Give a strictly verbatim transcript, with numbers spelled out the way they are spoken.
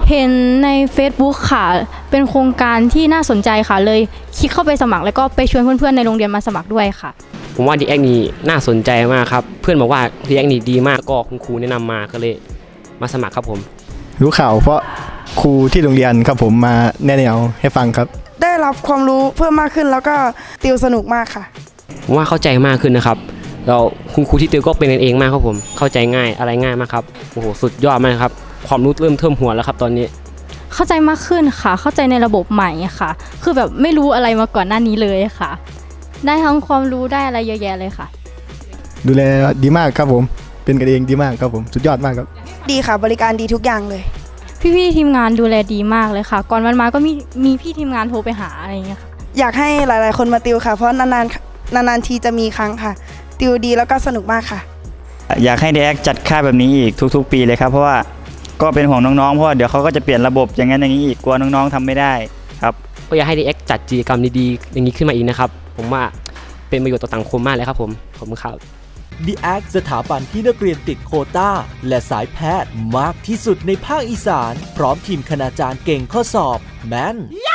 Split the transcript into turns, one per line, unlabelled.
เห็นใน Facebook ค่ะเป็นโครงการที่น่าสนใจค่ะเลยคลิกเข้าไปสมัครแล้วก็ไปชวนเพื่อนๆในโรงเรียนมาสมัครด้วยค่ะ
ผมว่าดีแอคนี่น่าสนใจมากครับเพื่อนบอกว่าดีแอคนี่ดีมากก็คุณครูแนะนำมาก็เลยมาสมัครครับผม
รู้ข่าวเพราะครูที่โรงเรียนครับผมมาแนะแนวให้ฟังครับ
ได้รับความรู้เพิ่มมากขึ้นแล้วก็ติวสนุกมากค่ะ
ผมว่าเข้าใจมากขึ้นนะครับเราคุณครูที่ติวก็เป็นกันเองมากครับผมเข้าใจง่ายอะไรง่ายมากครับโอ้โหสุดยอดมากครับความรู้เริ่มเทิ่มหัวแล้วครับตอนนี้
เข้าใจมากขึ้นค่ะเข้าใจในระบบใหม่ค่ะคือแบบไม่รู้อะไรมาก่อนหน้านี้เลยค่ะได้ทั้งความรู้ได้อะไรเยอะแยะเลยค่ะ
ดูแลดีมากครับผมเป็นกันเองดีมากครับผมสุดยอดมากครับ
ดีค่ะบริการดีทุกอย่างเลย
พี่ๆทีมงานดูแลดีมากเลยค่ะก่อนวันมาก็มีมีพี่ทีมงานโทรไปหาอะไรอย่างเงี้ยค่ะ
อยากให้หลายๆคนมาติวค่ะเพราะนานๆนานๆทีจะมีครั้งค่ะติวดีแล้วก็สนุกมากค่ะ
อยากให้ ดี เอ็กซ์ จัดค่ายแบบนี้อีกทุกๆปีเลยครับเพราะว่าก็เป็นห่วงน้องๆเพราะว่าเดี๋ยวเขาก็จะเปลี่ยนระบบอย่างนั้นอย่างนี้อีกกลัวน้องๆทำไม่ได้ครับ
ก็อยากให้ ดี เอ็กซ์ จัดกิจกรรมดีๆอย่างนี้ขึ้นมาอีกนะครับผมว่าเป็นประโยชน์ต่อสังคมมากเลยครับผมขอบคุณครับ
ดี เอ็กซ์ สถาบันที่นักเรียนติดโควต้าและสายแพทย์มากที่สุดในภาคอีสานพร้อมทีมคณาจารย์เก่งข้อสอบแม่น